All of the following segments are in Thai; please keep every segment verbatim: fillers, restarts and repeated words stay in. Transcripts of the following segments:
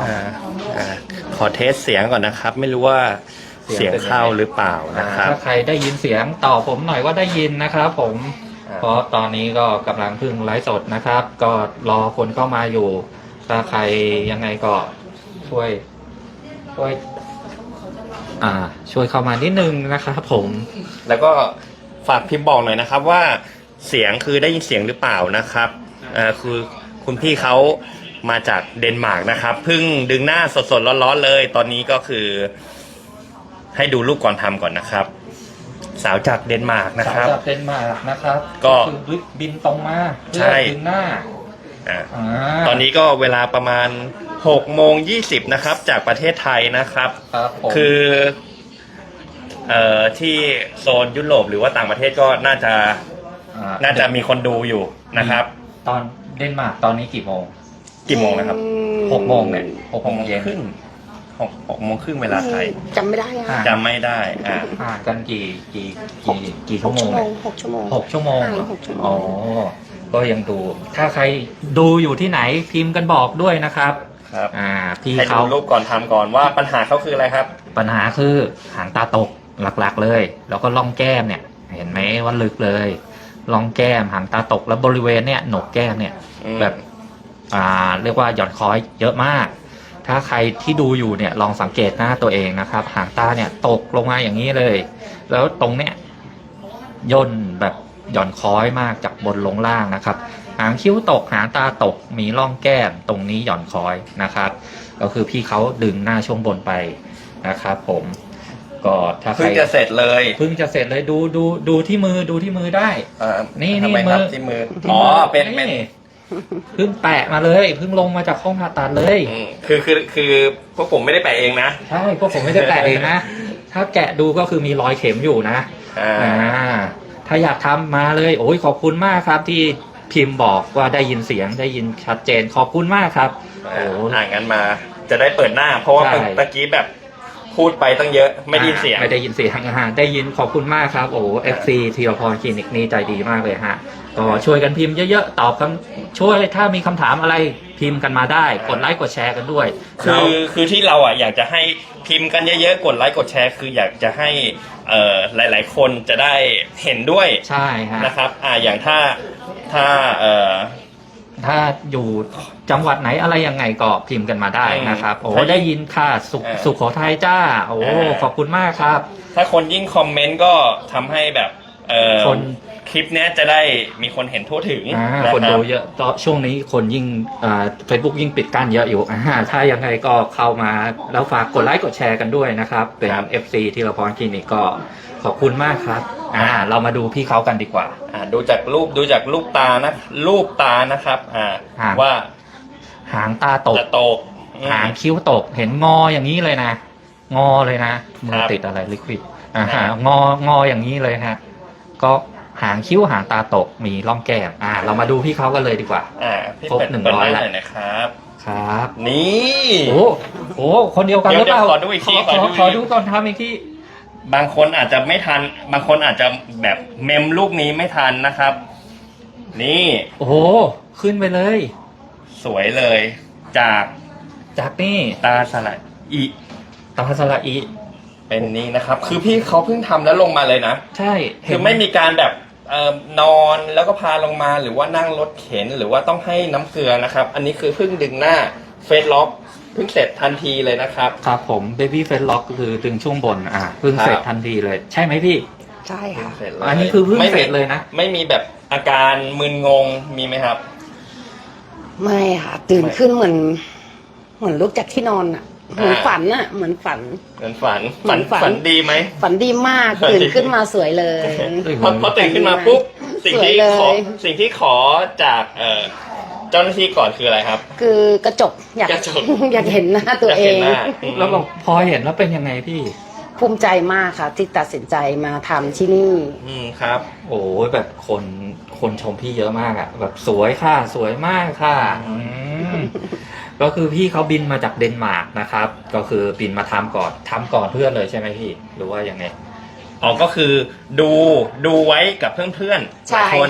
อ่าอ่าขอเทสเสียงก่อนนะครับ ไม่รู้ว่าเสียงเข้าหรือเปล่านะครับถ้าใครได้ยินเสียงตอบผมหน่อยว่าได้ยินนะครับผมเพราะตอนนี้ก็กำลังพึ่งไลฟ์สดนะครับ ก็รอคนเข้ามาอยู่ ถ้าใครยังไงก็ช่วยช่วยอ่าช่วยเข้ามานิดนึงนะครับผมแล้วก็ฝากพิมพ์บอกหน่อยนะครับว่าเสียงคือได้ยินเสียงหรือเปล่านะครับเอ่อคือคุณพี่เขามาจากเดนมาร์กนะครับเพิ่งดึงหน้าสดๆร้อนๆเลย ตอนนี้ก็คือให้ดูรูปก่อนทำก่อนนะครับ สาวจากเดนมาร์กนะครับสาวจากเดนมาร์กนะครับก็คือบินตรงมาใช่เพื่อดึงหน้าอ่าอ่าตอนนี้ก็เวลาประมาณหกโมงยี่สิบนะครับจากประเทศไทยนะครับครับผมคือเอ่อที่โซนยุโรปหรือว่าต่างประเทศก็น่าจะน่าจะมีคนดูอยู่นะครับตอนเดนมาร์กตอนนี้กี่โมงกี่โมงนะครับหกโมงเนี่ยหกหกโมโมงงเย็นครึ่งหกหกโมงครึ่งเวลาไทยจำไม่ได้อะอ่าจำไม่ได้อ่าห่างกันกี่กี่กี่กี่ชั่วโมงชั่วโมเนี่ยงหกชั่วโมงหกชั่วโมงห่างกันหกชั่วโมงอ๋อก็ยังดู ถ้าใครดูอยู่ที่ไหนพิมพ์กันบอกด้วยนะครับครับอ่าพี่ให้ดูเขารูปก่อนทำก่อนว่าปัญหาเขาคืออะไรครับปัญหาคือหางตาตกหลักๆเลย แล้วก็ล่องแก้มเนี่ย เห็นไหมว่าลึกเลยล่องแก้มหางตาตกแล้วบริเวณเนี่ยโหนกแก้มเนี่ยอืมแบบอ่าเรียกว่าหย่อนคล้อยเยอะมาก ถ้าใครที่ดูอยู่เนี่ยลองสังเกตหน้าตัวเองนะครับ หางตาเนี่ยตกลงมาอย่างนี้เลย แล้วตรงเนี้ยย่นแบบหย่อนคล้อยมากจากบนลงล่างนะครับ หางคิ้วตกหางตาตกมีร่องแก้มตรงนี้หย่อนคล้อยนะครับ ก็คือพี่เขาดึงหน้าช่วงบนไปนะครับผมก็ถ้าใครเพิ่งจะเสร็จเลยเพิ่งจะเสร็จเลยดูดูดูที่มือดูที่มือได้เอ่อนี่ทำไมนี่ครับมือที่มืออ๋อเป็นเป็นเพิ่งแปะมาเลยเพิ่งลงมาจากห้องผ่าตัดเลยอืมคือคือคือพวกผมไม่ได้แปะเองนะใช่พวกผมไม่ได้แปะเองนะ ถ้าแกะดูก็คือมีรอยเข็มอยู่นะอ่าอ่าถ้าอยากทำมาเลยโอ้ยขอบคุณมากครับที่พิมพ์บอกว่าได้ยินเสียงได้ยินชัดเจนขอบคุณมากครับโอ้อ่างั้นมาจะได้เปิดหน้า เพราะว่าใช่ตะกี้แบบพูดไปตั้งเยอะไม่ได้ยินเสียงไม่ได้ยินเสียงอ่าได้ยินขอบคุณมากครับโอ้เอฟซีธีรพรคลินิกนี่ใจดีมากเลยฮะก็ช่วยกันพิมพ์เยอะๆตอบคำช่วยถ้ามีคำถามอะไรพิมพ์กันมาได้กดไลค์กดแชร์กันด้วยคือคือที่เราอ่ะอยากจะให้พิมพ์กันเยอะๆกดไลค์กดแชร์คืออยากจะให้เอ่อหลาย ๆ คนจะได้เห็นด้วยใช่ฮะนะครับอ่าอย่างถ้าถ้าเอ่อถ้าอยู่จังหวัดไหนอะไรยังไงก็พิมพ์กันมาได้นะครับโอ้ถ้าได้ยินค่ะสุขอ่าสุขโขทัยจ้าโอ้อ่าขอบคุณมากครับถ้าคนยิ่งคอมเมนต์ก็ทำให้แบบเอ่อคนคลิปเนี้ยจะได้มีคนเห็นทั่วถึงอ่านะคนรับดูเยอะตอนช่วงนี้คนยิ่งอ่าเฟซบุ๊กยิ่งปิดกั้นเยอะอยู่อ่าถ้ายังไงก็เข้ามาแล้วฝากกดไลค์กดแชร์กันด้วยนะครับ เป็นครับเอฟซีธีรพรคลินิกก็ขอบคุณมากครับอ่าเรามาดูพี่เขากันดีกว่าอ่าดูจากรูปดูจากรูปตานะรูปตานะครับอ่าอ่าว่าหางตาตกจะตกอืมหางคิ้วตกเห็นงออย่างนี้เลยนะ งอเลยนะมืคอรับติดอะไรลิควิดอ่าครับงองออย่างนี้เลยฮะก็หางคิ้วหางตาตกมีร่องแก้มอ่า เรามาดูพี่เขากันเลยดีกว่าอ่าพี่ครบเป็ดหนึ่งเปิดร้อยหน้าละหน่อยนะครับครับนี่โอ้โหคนเดียวกันหเดี๋รืยวอเปล่าเดี๋ยวขอดูอีกทีขอขอดูขออีกดูก่อนทำอีกทีบางคนอาจจะไม่ทัน บางคนอาจจะแบบเมมลูกนี้ไม่ทันนะครับ นี่โอ้โหขึ้นไปเลยสวยเลยจากจากนี่ตาสละอีตาสละอีเป็นนี่นะครับ คือพี่เขาเพิ่งทำแล้วลงมาเลยนะใช่คือไม่มีการแบบเอ่อนอนแล้วก็พาลงมาหรือว่านั่งรถเข็นหรือว่าต้องให้น้ำเกลือนะครับ อันนี้คือเพิ่งดึงหน้าเฟซล็อกเพิ่งเสร็จทันทีเลยนะครับครับผมเบบี้เฟสล็อกคือดึงช่วงบนอ่าเพิ่งเสร็จครับทันทีเลย ใช่ไหมพี่ใช่ค่ะเสร็จเลยอันนี้คือเพิ่งไม่มีเสร็จเลยนะไม่มีแบบอาการมึนงงมีไหมครับไม่ค่ะ ตื่นขึ้นเหมือน เหมือนลุกจากที่นอนอ่ะ เหมือนฝันอ่ะ เหมือนฝันเหมือนฝันเหมืฝัอน นฝันฝันดีไหมฝันดีมากฝันดีตื่นขึ้นมาสวยเลยพอพอตื่นขึ้นมาปุ๊บสิ่งที่สวยเลยขอสิ่งที่ขอจากเอ่อเจ้าหน้าที่ก่อนคืออะไรครับคือกระจกอยากกระจกอยากเห็นหน้าตัวอยากเอเห็นงหน้าแล้วบอกพอเห็นแล้วเป็นยังไงพี่ภูมิใจมากค่ะ ที่ตัดสินใจมาทำที่นี่อืมครับโอ้ยแบบคนคนชมพี่เยอะมากอะแบบสวยค่ะ สวยมากค่ะอืมก็คือพี่เขาบินมาจากเดนมาร์กนะครับ ก็คือบินมาทำก่อนทำก่อนเพื่อนเลยใช่ไหมพี่ หรือว่ายังไงอ๋อก็คือดูดูไว้กับเพื่อนๆหใช่ลายคนค่ะ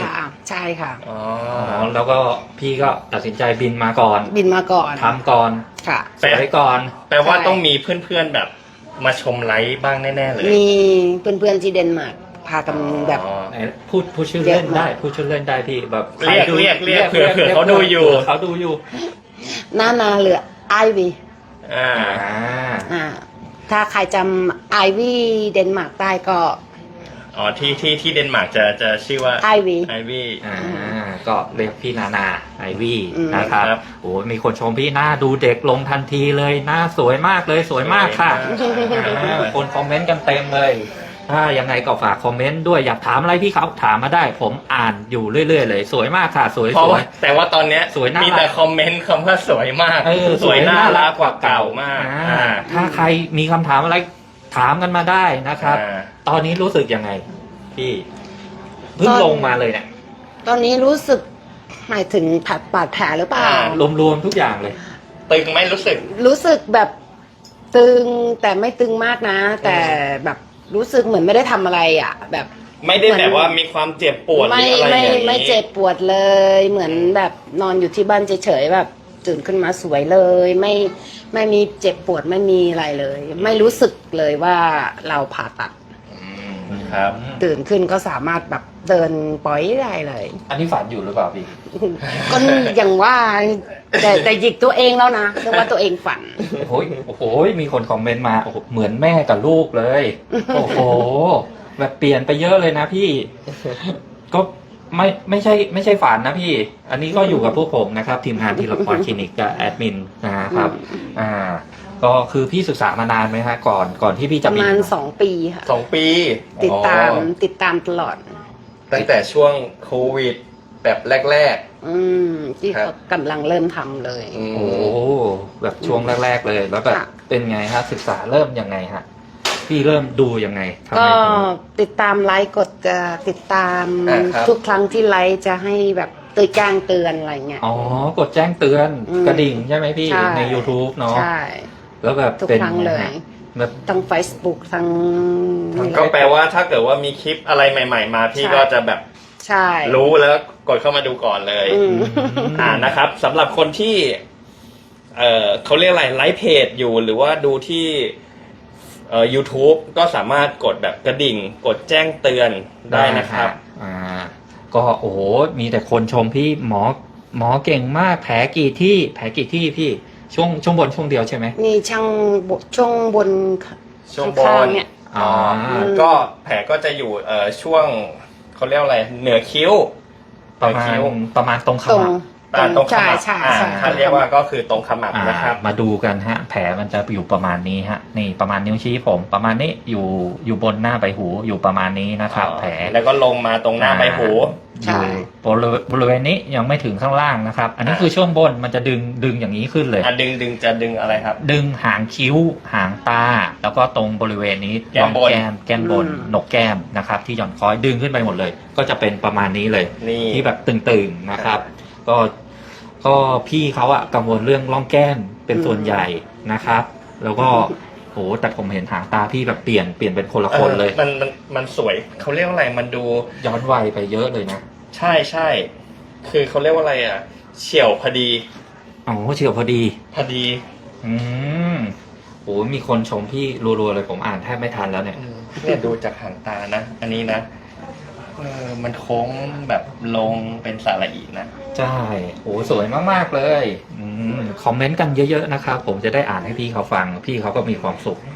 ใช่ค่ะอ๋ออ๋อแล้วก็พี่ก็ตัดสินใจบินมาก่อนบินมาก่อนทำก่อนค่ะสวยก่อนแปลว่าใช่ต้องมีเพื่อนๆแบบมาชมไลฟ์บ้างแน่ๆเลยมีเพื่อนๆที่เดนมาร์กพากันแบบอ๋อไหนพูดพูดชื่อเล่นได้พูดชื่อเล่นได้พี่แบบเรียกใคดูเรียกเรียกเผื่อเผื่อเขาดูอยู่เผื่เขาดูอยู่หน้านาเหลือไอวีอ่าอ่าอ่าถ้าใครจำไอวีเดนมาร์กได้ก็อ๋อที่ที่ที่เดนมาร์กจะจะชื่อว่าไอวีไอวี่อ่าก็เรียกพี่นานาไอวี่อืมนะครับครับโอ้มีคนชมพี่หน้าดูเด็กลงทันทีเลยหน้าสวยมากเลยสวยมากค่ะสวยมากอ่าคนคอมเมนต์กันเต็มเลยถ้ายังไงก็ฝากคอมเมนต์ด้วยอยากถามอะไรพี่เขาถามมาได้ ผมอ่านอยู่เรื่อยๆเลยสวยมากค่ะ สวยเพราะสวว่าย แต่ว่าตอนเนี้ยสวยน่ารักมีแต่คอมเมนต์คำว่าสวยมากเออสวยน่ารักกว่าเก่ามากอ่าอ่าถ้าใครมีคำถามอะไรถามกันมาได้นะครับอ่าตอนนี้รู้สึกยังไงพี่เพิ่งตอนลงมาเลยเนี่ยตอนนี้รู้สึกหมายถึงผัดบาดแผลหรือเปล่าอ่ารวมๆทุกอย่างเลยตึงไหมรู้สึกรู้สึกแบบตึงแต่ไม่ตึงมากนะ แต่แบบรู้สึกเหมือนไม่ได้ทำอะไรอ่ะ แบบไม่ได้แบบว่ามีความเจ็บปวดหรือไม่อะไรไม่อย่างนี้ไม่เจ็บปวดเลย เหมือนแบบนอนอยู่ที่บ้านเฉยๆแบบตื่นขึ้นมาสวยเลย ไม่ไม่มีเจ็บปวดไม่มีอะไรเลย ไม่รู้สึกเลยว่าเราผ่าตัดอืมครับตื่นขึ้นก็สามารถแบบเดินปล่อยได้เลยอันนี้ฝันอยู่หรือเปล่าพี่ก็อย่างว่าแต่แต่หยิกตัวเองแล้วนะเรียกว่าตัวเองฝันโอ้ยโอ้โหมีคนคอมเมนต์มาโอ้โหเหมือนแม่กับลูกเลย โอ้โห แบบเปลี่ยนไปเยอะเลยนะพี่ ก็ไม่ไม่ใช่ไม่ใช่ฝันนะพี่ อันนี้ก็อยู่กับพวกผมนะครับ ทีมงานทีละครคลินิกกับแอดมินนะครับ อ่า ก็คือพี่ศึกษามานานไหมฮะก่อนก่อนที่พี่ปจะระบินมาณสองปีค่ะสองปีติดตามอ๋อติดตามตลอดตั้งแต่ช่วงโควิดแบบแรกอืมที่ครับเขากำลังเริ่มทำเลยๆอืมโอ้แบบช่วงแรก ๆ เลย แล้วแบบค่ะเป็นไงฮะศึกษาเริ่มยังไงฮะพี่เริ่มดูยังไงทำไมก็ถึงติดตามไลฟ์กดจะติดตามอ่าครับทุกครั้งที่ไลฟ์จะให้แบบตือแจ้งเตือนอะไรเงี้ยอ๋อกดแจ้งเตือนอืมกระดิ่งใช่ไหมพี่ใช่ใน YouTube เนาะใช่แล้วแบบทุกเป็นครั้งเลยไฮะแบบทั้ง Facebook ทั้งก็แปลว่าถ้าเกิดว่ามีคลิปอะไรใหม่ ๆ มาพี่ใช่ก็จะแบบใช่รู้แล้วกดเข้ามาดูก่อนเลยอืมอ่านะครับสำหรับคนที่ เอ่อเขาเรียกอะไรไลฟ์เพจอยู่หรือว่าดูที่เอ่อ YouTube ก็สามารถกดแบบกระดิ่ง กดแจ้งเตือนได้นะครับอ่า ก็โอ้โหมีแต่คนชมพี่หมอหมอเก่งมากแผลกี่ที่ แผลกี่ที่พี่ช่วงช่วงบนช่วงเดียวใช่ไหมมีช่างบช่วงบนช่วงบข้างนๆเนี่ยอ๋อมก็แผลก็จะอยู่เอ่อช่วงเขาเรียกอะไรเหนือคิ้วประมาณคิ้วประมาณตรงขตรงมับอ่าตรงขใช่มับใช่อ่าใช่ถ้าเรียกว่าก็คือตรงขมับอ่านะครับมาดูกันฮะ แผลมันจะอยู่ประมาณนี้ฮะ นี่ประมาณนิ้วชี้ผม ประมาณนี้อยู่อยู่บนหน้าใบหูอยู่ประมาณนี้นะครับ แผลแล้วก็ลงมาตรงหน้าใบหูใช่อยู่บริเวณบริเวณนี้ยังไม่ถึงข้างล่างนะครับ อันนี้คือช่วงบนมันจะดึงดึงอย่างนี้ขึ้นเลยอ่ะดึงดึงจะดึงอะไรครับดึงหางคิ้ว หางตา แล้วก็ตรงบริเวณนี้แก้มบนแก้มแก้มบนอืมหนกแก้มนะครับ ที่หย่อนคอยดึงขึ้นไปหมดเลย ก็จะเป็นประมาณนี้เลยนี่ที่แบบตึงๆนะครับ ก็ก็พี่เขาอะกังวลเรื่องร่องแก้มเป็นส่วนใหญ่นะครับ แล้วก็โหแต่ผมเห็นหางตาพี่แบบเปลี่ยนเปลี่ยนเป็นคนละคนเลยออมันมันมันสวยเขาเรียกว่าอะไรมันดูย้อนวัยไปเยอะเลยนะใช่ใช่คือเขาเรียกว่าอะไรอ่ะ เฉียวพอดีอ๋อเฉียวพอดีพอดีอืมโหมีคนชมพี่รัวๆเลยผมอ่านแทบไม่ทันแล้วเนี่ยเนี่ยดูจากหางตานะ อันนี้นะเออมันโค้งแบบลงเป็นสาระอีนะใช่โหสวยมากๆเลย อืมคอมเมนต์กันเยอะๆนะครับ ผมจะได้อ่านให้พี่เขาฟัง พี่เขาก็มีความสุข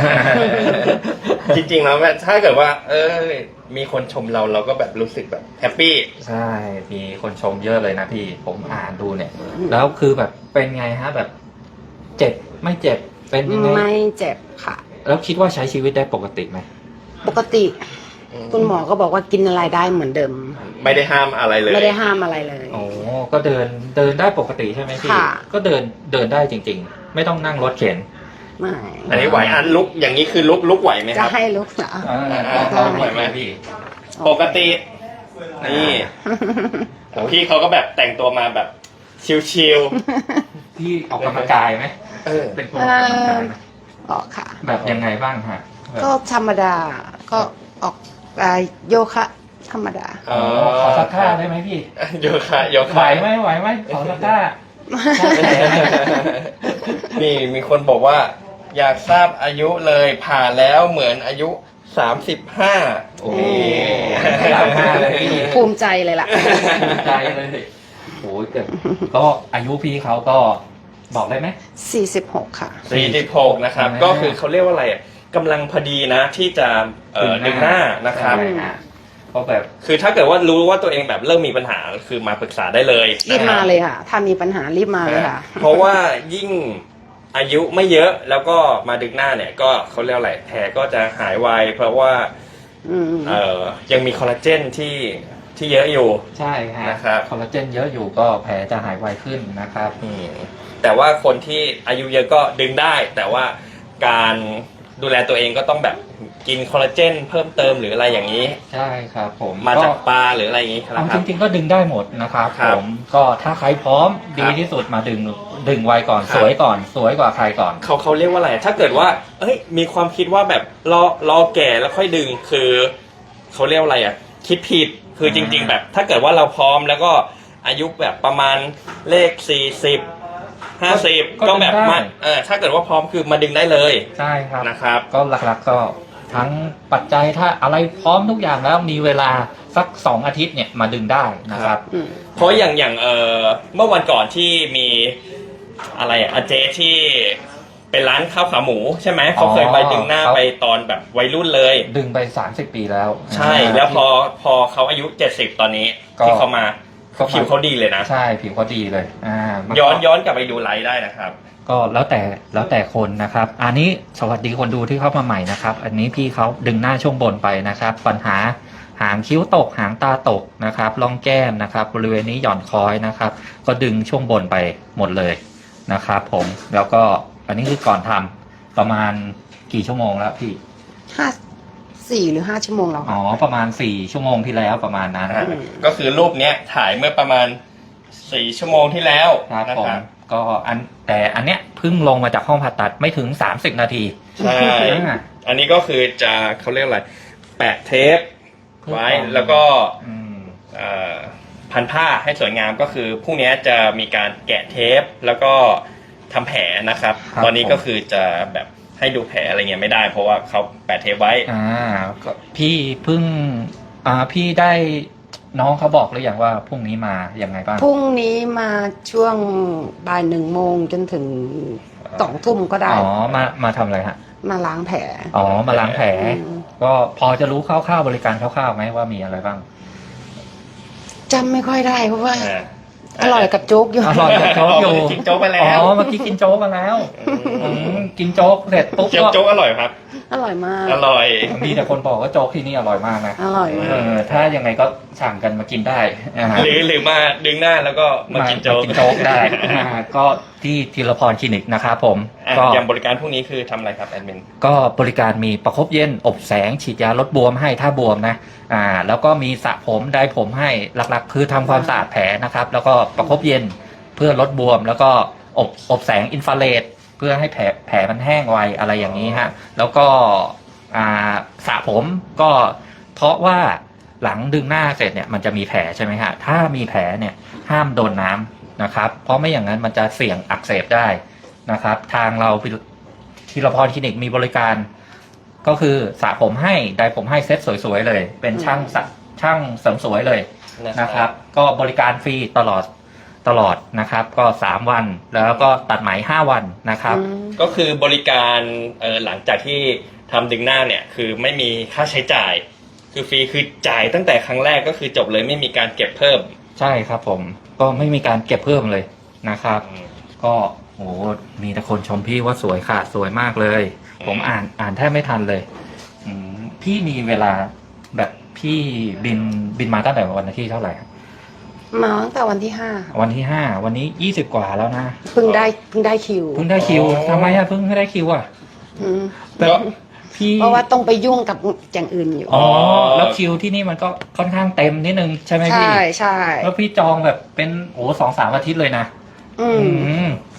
จริงๆแล้วแบบถ้าเกิดว่า เออ มีคนชมเราเราก็แบบรู้สึกแบบแฮปปี้ใช่ มีคนชมเยอะเลยนะพี่ ผมอ่านดูเนี่ย แล้วคือแบบเป็นไงฮะแบบ เจ็บไม่เจ็บ เป็นยังไงไม่เจ็บค่ะแล้วคิดว่าใช้ชีวิตได้ปกติไหมปกติ คุณหมอก็บอกว่ากินอะไรได้เหมือนเดิมไม่ได้ห้ามอะไรเลยไม่ได้ห้ามอะไรเลยโอ้ก็เดินเดินได้ปกติใช่ไหมพี่ค่ะก็เดินเดินได้จริง ๆ ไม่ต้องนั่งรถเข็นไม่อันนี้ไหวอันลุกอย่างนี้คือลุกลุกไหวไหมคจะรับให้ลุกเหรออ่าอ่าก็ไหวไหมพี่ปกติ นี่พี่เขาก็แบบแต่งตัวมาแบบชิลพี่ออกกำลังกายไหมๆเออเป็นคนออกกำลังกายไหมออกค่ะแบบยังไงบ้างฮะแบบก็ธรรมดา ก็ออกอ่าโยคะธรรมดาอ๋อขอสักท่าได้ไหมพี่โยคะโยไหวคะไหมไหวไหมขอสักท่านี่มีคนบอกว่า อยากทราบอายุเลยผ่าแล้วเหมือนอายุสามสิบห้าโอ้สามห้าเลยพี่ภูมิใจเลยล่ะภูมิใจเลยโอ้ยเกิดก็อายุพี่เขาก็บอกได้ไหมสี่สิบหกค่ะสี่สิบหกนะครับอ่าก็คือเขาเรียกว่าอะไรอ่ะกำลังพอดีนะที่จะเอ่อดึงหน้านะครับใช่ฮะก็แบบคือถ้าเกิดว่ารู้ว่าตัวเองแบบเริ่มมีปัญหาคือมาปรึกษาได้เลยรีบนะคมาบเลยค่ะ ถ้ามีปัญหารีบมาเลยค่ะเพราะว่ายิ่งอายุไม่เยอะแล้วก็มาดึงหน้าเนี่ยก็เขาเรียกอะไรแผลก็จะหายไวเพราะว่าอืมเอ่อยังมีคอลลาเจนที่ที่เยอะอยู่ใช่ฮะนะครับคอลลาเจนเยอะอยู่ก็แผลจะหายไวขึ้นนะครับอืมแต่ว่าคนที่อายุเยอะก็ดึงได้ แต่ว่าการดูแลตัวเองก็ต้องแบบกินคอลลาเจนเพิ่มเติมหรืออะไรอย่างนี้ใช่ครับผมมาจากปลาหรืออะไรอย่างนี้ครัเอาบจริงๆก็ดึงได้หมดนะครับครัผบมก็ถ้าใครพร้อมครับดีที่สุดมาดึงดึงไวก่อนครับสวยก่อน สวยกว่าใครก่อนเขาเขาเรียกว่าอะไร ถ้าเกิดว่า เอ้ย มีความคิดว่าแบบรอรอแก่แล้วค่อยดึง คือเขาเรียกว่าอะไรอ่ะ คิดผิด คือจริง ๆ แบบ ถ้าเกิดว่าเราพร้อมแล้วก็อายุแบบประมาณเลขสี่สิบห้าสิบก็ก็แบบดึงได้มาเออถ้าเกิดว่าพร้อมคือมาดึงได้เลยใช่ครับนะครับก็หลักๆก็ทั้งปัจจัยถ้าอะไรพร้อมทุกอย่างแล้วมีเวลาสักสองอาทิตย์เนี่ยมาดึงได้นะครับอืมเพราะอย่างอย่างเออเมื่อวันก่อนที่มีอะไรอะอาเจที่เป็นร้านข้าวขาหมูใช่ไหมเขาเคยไปดึงหน้าเขาไปตอนแบบวัยรุ่นเลยดึงไปสามสิบปีแล้วใช่าแล้วพอพอเขาอายุเจ็ดสิบตอนนี้ก็ที่เขามาก็ผิวเขาดีเลยนะใช่ผิวเขาดีเลยอ่ามัย้อนย้อนกลับไปดูไลฟ์ได้นะครับก็แล้วแต่แล้วแต่คนนะครับ อันนี้สวัสดีคนดูที่เข้ามาใหม่นะครับ อันนี้พี่เขาดึงหน้าช่วงบนไปนะครับ ปัญหาหางคิ้วตกหางตาตกนะครับร่องแก้มนะครับ บริเวณนี้หย่อนคอยนะครับ ก็ดึงช่วงบนไปหมดเลยนะครับผมแล้วก็อันนี้คือก่อนทำประมาณกี่ชั่วโมงแล้วพี่ห้าสี่หรือห้าชั่วโมงแล้วอ๋อค่ะประมาณสี่ชั่วโมงที่แล้วประมาณนั้นอ่าก็คือรูปเนี้ยถ่ายเมื่อประมาณสี่ชั่วโมงที่แล้วครับนะผมครับก็อันแต่อันเนี้ยเพิ่งลงมาจากห้องผ่าตัดไม่ถึงสามสิบนาทีใช่อ่าอันนี้ก็คือจะเขาเรียกอะไรแปะเทปไว้แล้วก็อืมเอ่อพันผ้าให้สวยงามก็คือพรุ่งนี้จะมีการแกะเทปแล้วก็ทำแผลนะครับครับตอนนี้ผมก็คือจะแบบให้ดูแผลอะไรเงี้ยไม่ได้ เพราะว่าเขาแปะเทปไว้อ่าก็พี่เพิ่งอ่าพี่ได้น้องเขาบอกหรือยังว่าพรุ่งนี้มายังไงบ้างพรุ่งนี้มาช่วงบ่ายหนึ่งโมงจนถึงสองทุ่มก็ได้อ๋อมามาทำอะไรฮะมาล้างแผลอ๋อมาล้างแผลอืมก็พอจะรู้คร่าวๆบริการคร่าวๆไหมว่ามีอะไรบ้างจำไม่ค่อยได้เพราะว่าอ่าอร่อยกับโจ๊กอยู่อร่อยกับโจ๊กอยู่กินโจ๊กไปแล้วอ๋อเมื่อกี้กินโจ๊กมาแล้วอืมกินโจ๊กเสร็จปุ๊บเจียวก็โจ๊กอร่อยครับอร่อยมากอร่อยมีแต่คนบอกว่าโจ๊กที่นี่อร่อยมากนะอร่อยมากเออถ้ายังไงก็สั่งกันมากินได้อ่าหรือหรือมาดึงหน้าแล้วก็มากินโจ๊กกินโจ๊กได้อ่าก็ที่ธีรพรคลินิกนะครับผมอ่ะก็อย่างบริการพวกนี้คือทำอะไรครับแอดมินก็บริการมีประคบเย็นอบแสงฉีดยาลดบวมให้ถ้าบวมนะอ่าแล้วก็มีสระผมไดร์ผมให้หลักๆ คือทำความสะอาดแผลนะครับ แล้วก็ประคบเย็นเพื่อลดบวม แล้วก็อบอบแสงอินฟราเรดเพื่อให้แผลแผลมันแห้งไวอะไรอย่างนี้ฮะแล้วก็อ่าสระผมก็เพราะว่าหลังดึงหน้าเสร็จเนี่ยมันจะมีแผลใช่ไหมฮะถ้ามีแผลเนี่ยห้ามโดนน้ำนะครับเพราะไม่อย่างนั้นมันจะเสี่ยงอักเสบได้นะครับ ทางเราธีรพรคลินิกมีบริการ ก็คือสระผมให้ไดร์ผมให้เซ็ตสวยๆเลย เป็นช่างสระช่างเสริมสวยเลยนะครับ ก็บริการฟรีตลอดตลอดนะครับ ก็สามวันแล้วก็ตัดไหมห้าวันนะครับอืมก็คือบริการเออหลังจากที่ทำดึงหน้าเนี่ยคือไม่มีค่าใช้จ่าย คือฟรีคือจ่ายตั้งแต่ครั้งแรกก็คือจบเลยไม่มีการเก็บเพิ่มใช่ครับผมก็ไม่มีการเก็บเพิ่มเลยนะครับ ก็โอ้โหมีแต่คนชมพี่ว่าสวยค่ะสวยมากเลย ผมอ่านอ่านแทบไม่ทันเลยอืมพี่มีเวลาแบบพี่บินบินมาตั้งแต่วันที่เท่าไหร่มาตั้งแต่วันที่ห้าวันที่ห้าวันนี้ยี่สิบกว่าแล้วนะเพิ่งได้เพิ่งได้คิวเพิ่งได้คิวอ๋อทำไมอะเพิ่งไม่ได้คิวอะอืมก็พี่เพราะว่าต้องไปยุ่งกับอย่างอื่นอยู่อ๋อแล้วคิวที่นี่มันก็ค่อนข้างเต็มนิดนึงใช่ไหมพี่ใช่ใช่แล้วพี่จองแบบเป็นโอ้สองสามอาทิตย์เลยนะอือืมม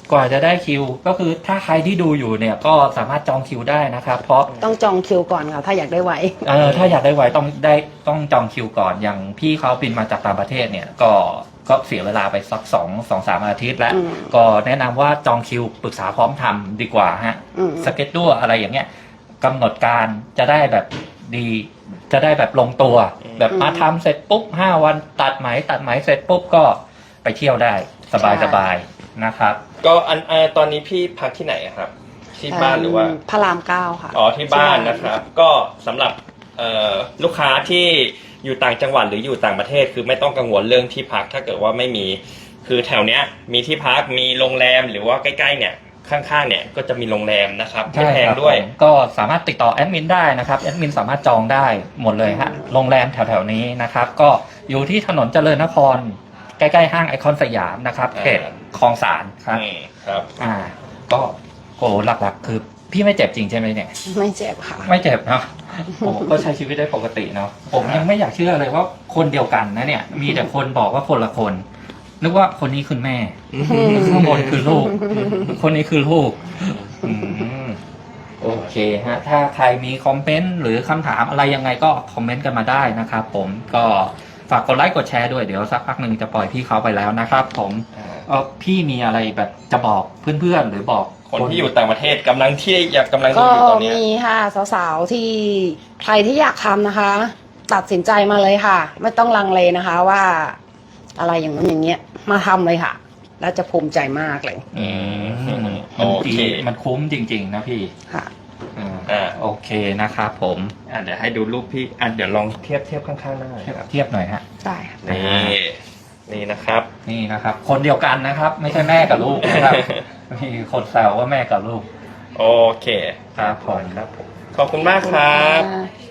กว่าจะได้คิวก็คือถ้าใครที่ดูอยู่เนี่ยก็สามารถจองคิวได้นะครับ เพราะต้องจองคิวก่อนค่ะถ้าอยากได้ไวเออถ้าอยากได้ไวต้องได้ต้องจองคิวก่อนอย่างพี่เขาบินมาจากต่างประเทศเนี่ยก็ก็เสียเวลาไปสักสองสองสามอาทิตย์แล้วอืมก็แนะนำว่าจองคิวปรึกษาพร้อมทำดีกว่าฮะอืมสเก็ตด้วยอะไรอย่างเงี้ยกำหนดการจะได้แบบดีจะได้แบบลงตัว แบบมาทำเสร็จปุ๊บห้าวันตัดไหมตัดไหมเสร็จปุ๊บก็ไปเที่ยวได้สบายสบายนะครับก็อันเอ่อตอนนี้พี่พักที่ไหนอะครับ ที่บ้านหรือว่าพระรามเก้าค่ะอ๋อที่บ้านนะครับ ก็สำหรับเอ่อลูกค้าที่อยู่ต่างจังหวัดหรืออยู่ต่างประเทศ คือไม่ต้องกังวลเรื่องที่พักถ้าเกิดว่าไม่มีคือแถวเนี้ยมีที่พักมีโรงแรมหรือว่าใกล้ๆเนี่ยข้างๆเนี่ยก็จะมีโรงแรมนะครับไม่ใช่แพคงรับด้วยผมก็สามารถติดต่อแอดมินได้นะครับแอดมินสามารถจองได้หมดเลยฮะโรงแรมแถวๆนี้นะครับ ก็อยู่ที่ถนนเจริญนคร ใกล้ๆห้างไอคอนสยามนะครับอ่าเขตคลองสานครับอืมครับอ่า ก็โกหลักๆ คือพี่ไม่เจ็บจริงใช่ไหมเนี่ยไม่เจ็บค่ะไม่เจ็บเนาะผมก็ใช้ชีวิตได้ปกติเนาะผมยังไม่อยากเชื่อเลยว่าคนเดียวกันนะเนี่ย มีแต่คนบอกว่าคนละคน นึกว่าคนนี้คือแม่ข้างบนคือลูก คนนี้คือลูกอืมโอเคฮะ ถ้าใครมีคอมเมนต์หรือคำถามอะไรยังไงก็คอมเมนต์กันมาได้นะครับผมก็ฝากกดไลค์กดแชร์ด้วยเดี๋ยวสักพักหนึ่งจะปล่อยพี่เขาไปแล้วนะครับ ผมเออพี่มีอะไรแบบจะบอกเพื่อนๆหรือบอกคนที่อยู่ต่างประเทศกำลังที่อยากกำลังดูก็อยู่ตอนเนี้ยมีค่ะสาวๆที่ใครที่อยากทำนะคะ ตัดสินใจมาเลยค่ะ ไม่ต้องลังเลนะคะว่าอะไรอย่างนั้นอย่างเงี้ยมาทำเลยค่ะ แล้วจะภูมิใจมากเลยอืมโอมันเคดีมันคุ้มจริง ๆ นะพี่ค่ะอ่าอ่าโอเคนะครับผมอ่ะเดี๋ยวให้ดูรูปพี่อ่ะเดี๋ยวลองเทียบเทียบข้างๆหน้าหน่อยเทียบครับเทียบหน่อยฮะได้ค่ะนี่นี่นะครับนี่นะครับ คนเดียวกันนะครับ ไม่ใช่แม่กับลูกนะครับ มีคนแซวว่าแม่กับลูกโอเคครับผมครับผมขอบคุณมากครับขอบคุณค่ะ